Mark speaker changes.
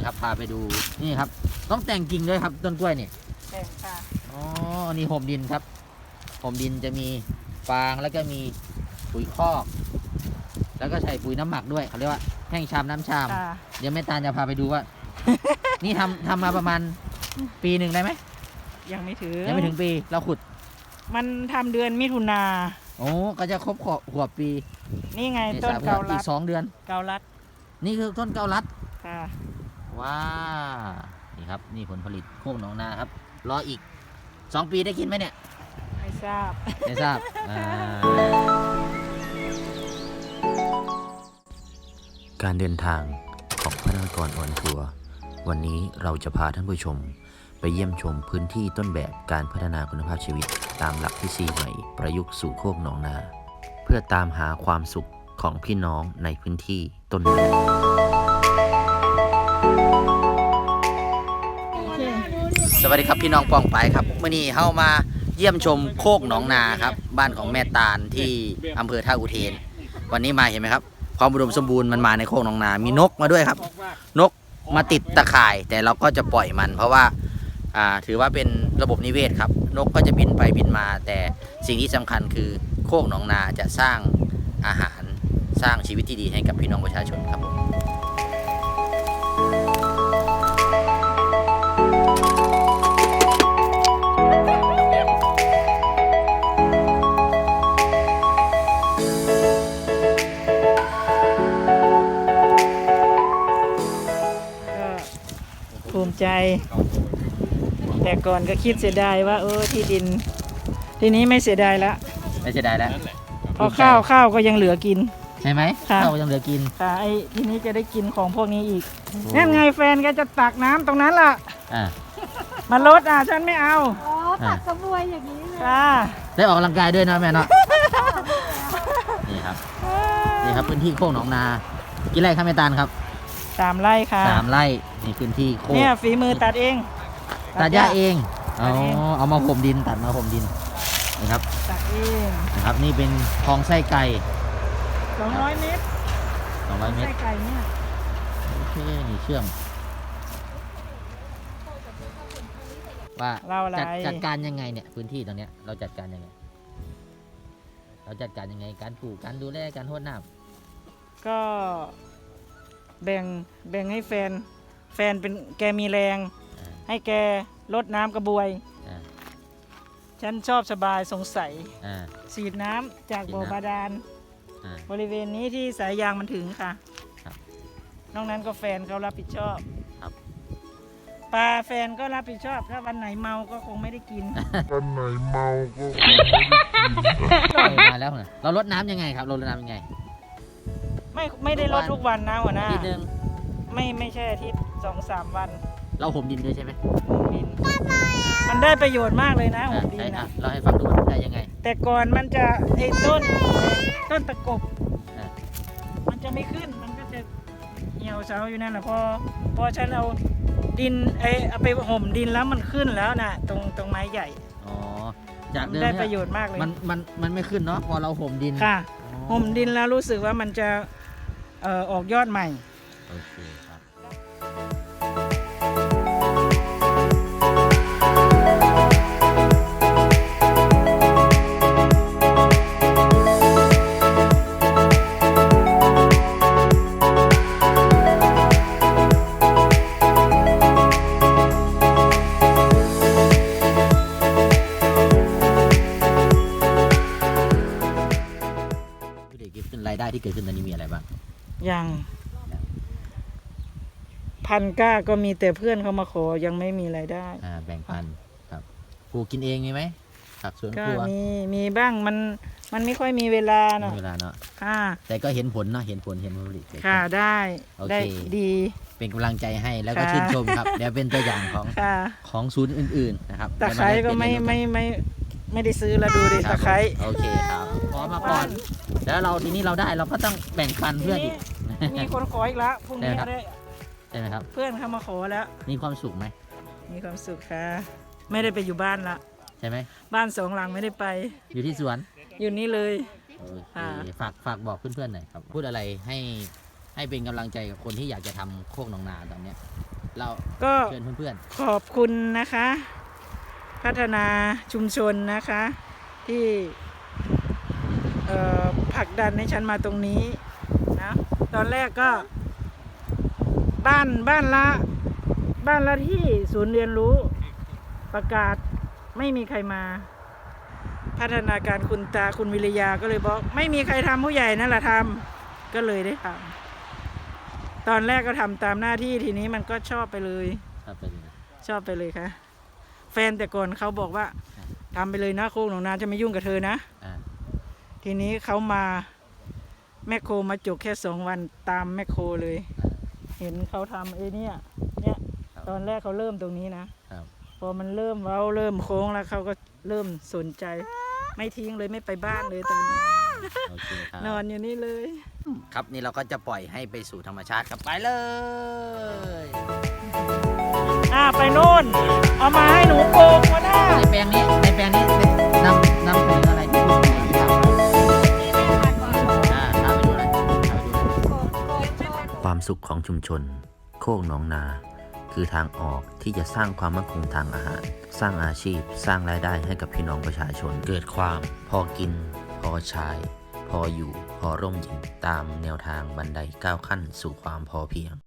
Speaker 1: ครับพาไปดูนี่ครับต้องแต่งกิ่งด้วยครับต้นกล้วยนี่
Speaker 2: แต่งค่ะ
Speaker 1: อ๋อนี่ห่มดินครับห่มดินจะมีฟางแล้วก็มีปุ๋ยคอกแล้วก็ใส่ปุ๋ยน้ำหมักด้วยเขาเรียกว่าแห้งชามน้ำชามเดี๋ยวแม่ตาลจะพาไปดูว่า นี่ทำมาประมาณปีหนึ่งได้ไหม
Speaker 2: ยังไม่ถึง
Speaker 1: ปีเราขุด
Speaker 2: มันทำเดือนมิถุนา
Speaker 1: โอ้ก็จะครบขวบปี
Speaker 2: นี่ไงต้นเกาลัด
Speaker 1: อีก2 เดือน
Speaker 2: เกาลัด
Speaker 1: นี่คือต้นเกาลัด
Speaker 2: ค่ะ
Speaker 1: ว้านี่ครับนี่ผลผลิตโคกหนองนาครับรออีก2 ปีได้กินไหมเนี่ย
Speaker 2: ไม่ทราบ
Speaker 3: การเดินทางของพนักงานออนทัวร์วันนี้เราจะพาท่านผู้ชมไปเยี่ยมชมพื้นที่ต้นแบบการพัฒนาคุณภาพชีวิตตามหลักทฤษฎีใหม่ประยุกต์สู่โคกหนองนาเพื่อตามหาความสุขของพี่น้องในพื้นที่ต้นแบบ
Speaker 1: สวัสดีครับพี่น้องปองไปครับเมื่อนี้เข้ามาเยี่ยมชมโคกหนองนาครับบ้านของแม่ตาลที่อำเภอท่าอุเทนวันนี้มาเห็นไหมครับความอุดมสมบูรณ์มันมาในโคกหนองนามีนกมาด้วยครับนกมาติดตะข่ายแต่เราก็จะปล่อยมันเพราะว่าถือว่าเป็นระบบนิเวศครับนกก็จะบินไปบินมาแต่สิ่งที่สำคัญคือโคกหนองนาจะสร้างอาหารสร้างชีวิตที่ดีให้กับพี่น้องประชาชนครับผม
Speaker 2: ภูมิใจแต่ก่อนก็คิดเสียดายว่าที่ดินทีนี้ไม่เสียดายแล้ว
Speaker 1: ไม่เสียดายแล้ว
Speaker 2: เพราะข้าวก็ยังเหลือกิน
Speaker 1: ใช่ไหมข้าวยังเหลือกิน
Speaker 2: ค่ะไอ้ทีนี้จะได้กินของพวกนี้อีกนั่นไงแฟนก็จะตักน้ำตรงนั้นล่ะมาลดฉันไม่เอา
Speaker 4: ตักกระบวยอย่างนี้เลย
Speaker 1: ได้ออกกำลังกายด้วยนะแม่เนาะนี่ครับพื้นที่โคกหนองนากี่ไร่ครับแม่ตาลครับ
Speaker 2: 3 ไร่ค่ะ
Speaker 1: 3 ไร่นี่พื้นที่โคก
Speaker 2: เนี่ยฝีมือตัดเอง
Speaker 1: ตัดหญ้าเองเอามาห่มดินตัดมาห่มดินนะครับ
Speaker 2: ตัดเอง
Speaker 1: นะครับนี่เป็นคลองไส้ไก่
Speaker 2: 200 เมตรไส้ไก่เนี่ย
Speaker 1: โอเคนี่เชื่อมว่าจัดการยังไงเนี่ยพื้นที่ตรงเนี้ยเราจัดการยังไงการปลูกการดูแลการรดน้
Speaker 2: ำก็แบ่งให้แฟนเป็นแกมีแรงให้แกรดน้ำกระบวยฉันชอบสบายสงสัยฉีดน้ำจากบ่อบาดาลบริเวณนี้ที่สายยางมันถึงค่ะนอกนั้นก็แฟนเขารับผิดชอบปลาแฟนก็รับผิดชอบถ้าวันไหนเมาก็คงไม่ได้กิน
Speaker 1: มาแล้วนะเรารดน้ำยังไงครับเรารดน้ำยังไง
Speaker 2: ไม่ได้รดทุกวันนะหัวหน้า
Speaker 1: ทีนึง
Speaker 2: ไม่ใช่อาทิตย์ 2-3 วัน
Speaker 1: เราห่มดินด้วยใช่ไหม
Speaker 2: ห่มดินมันได้ประโยชน์มากเลยนะห่มดินนะ
Speaker 1: เราให้ฟังดูมันได้ยังไง
Speaker 2: แต่ก่อนมันจะต้นตะกบมันจะไม่ขึ้นมันก็จะเหี่ยวเฉาอยู่นั่นแหละพอฉันเอาดินเอาไปห่มดินแล้วมันขึ้นแล้วนะตรงไม้ใหญ่
Speaker 1: จากเดิม
Speaker 2: ได้ประโยชน์มากเลย
Speaker 1: มันไม่ขึ้นเนาะพอเราห่มดิน
Speaker 2: ค่ะห่มดินแล้วรู้สึกว่ามันจะออกยอดใหม่
Speaker 1: โอเคครับรายได้ที่เกิดขึ้นตอนนี้มีอะไรบ้าง
Speaker 2: อย่างพันก้าก็มีแต่เพื่อนเขามาขอยังไม่มีรายได้
Speaker 1: แบ่งปันครับปลูกกินเองมีไหมผักสวนครัว
Speaker 2: มีบ้างมันไม่ค่อยมีเวลาเนาะ
Speaker 1: แต่ก็เห็นผลเนาะเห็นผลผลิต
Speaker 2: ค่ะได้ดี
Speaker 1: เป็นกำลังใจให้แล้วก็ชื่นชมครับเดี๋ยวเป็นตัวอย่างของศูนย์อื่นๆนะครับ
Speaker 2: ตะไคร้ก็ไม่ได้ซื้อแล้วดูดิตะไคร้
Speaker 1: โอเคครับขอมาก่อนแล้วทีนี้เราได้เราก็ต้องแบ่งปันเพื่อนอีก
Speaker 2: มีคนขออีกแล้วพรุ่งนี้
Speaker 1: ได้ไหมครับ
Speaker 2: เพื่อนเขามาขอแล้ว
Speaker 1: มีความสุขไหม
Speaker 2: มีความสุขค่ะไม่ได้ไปอยู่บ้านละ
Speaker 1: ใช่ไหม
Speaker 2: บ้าน2 หลังไม่ได้ไป
Speaker 1: อยู่ที่สวน
Speaker 2: อยู่นี่เลย
Speaker 1: ฝากบอกเพื่อนๆหน่อยครับพูดอะไรให้เป็นกำลังใจกับคนที่อยากจะทำโคกหนองนาตอนนี้เรา
Speaker 2: ก็
Speaker 1: เชิญเพื่อน
Speaker 2: ขอบคุณนะคะ พัฒนาชุมชนนะคะ ที่ผลักดันให้ฉันมาตรงนี้นะตอนแรกก็บ้านละที่ศูนย์เรียนรู้ประกาศไม่มีใครมา พัฒนาการคุณตาคุณวิริยาก็เลยบอกไม่มีใครทำผู้ใหญ่นั่นแหละทำก็เลยได้ทำตอนแรกก็ทำตามหน้าที่ทีนี้มันก็ชอบไปเลย
Speaker 1: ๆครับไปเลย
Speaker 2: ชอบไปเลยค่ะ แฟนแต่ก่อนเขาบอกว่าทำไปเลยนะโค้งหนองนาจะไม่ยุ่งกับเธอนะ
Speaker 1: อ่า
Speaker 2: ทีนี้เขามาแมคโครมาจกแค่2 วันตามแมคโครเลย เห็นเขาทำเนี่ยตอนแรกเขาเริ่มตรงนี้นะครับ พอมันเริ่มเว้าเริ่มโค้งแล้วเขาก็เริ่มสนใจ ไม่ทิ้งเลยไม่ไปบ้านเลยตอนนี้
Speaker 1: โอเคครับ
Speaker 2: นอนอยู่นี่เลย
Speaker 1: ครับนี่เราก็จะปล่อยให้ไปสู่ธรรมชาติครับไปเลย
Speaker 2: ไปโน่นเอามาให้หนูโกงก็ได้
Speaker 1: ในแปลงนี้นำเสนออะไรที่คุณไหนที่ทำพาไปดูหน่อยพาไปดูหน่อย
Speaker 3: ความสุขของชุมชน โคกหนองนา คือทางออกที่จะสร้างความมั่นคงทางอาหาร สร้างอาชีพ สร้างรายได้ให้กับพี่น้องประชาชน เกิดความพอกิน พอใช้ พออยู่ พอร่มเย็นตามแนวทางบันได9 ขั้นสู่ความพอเพียง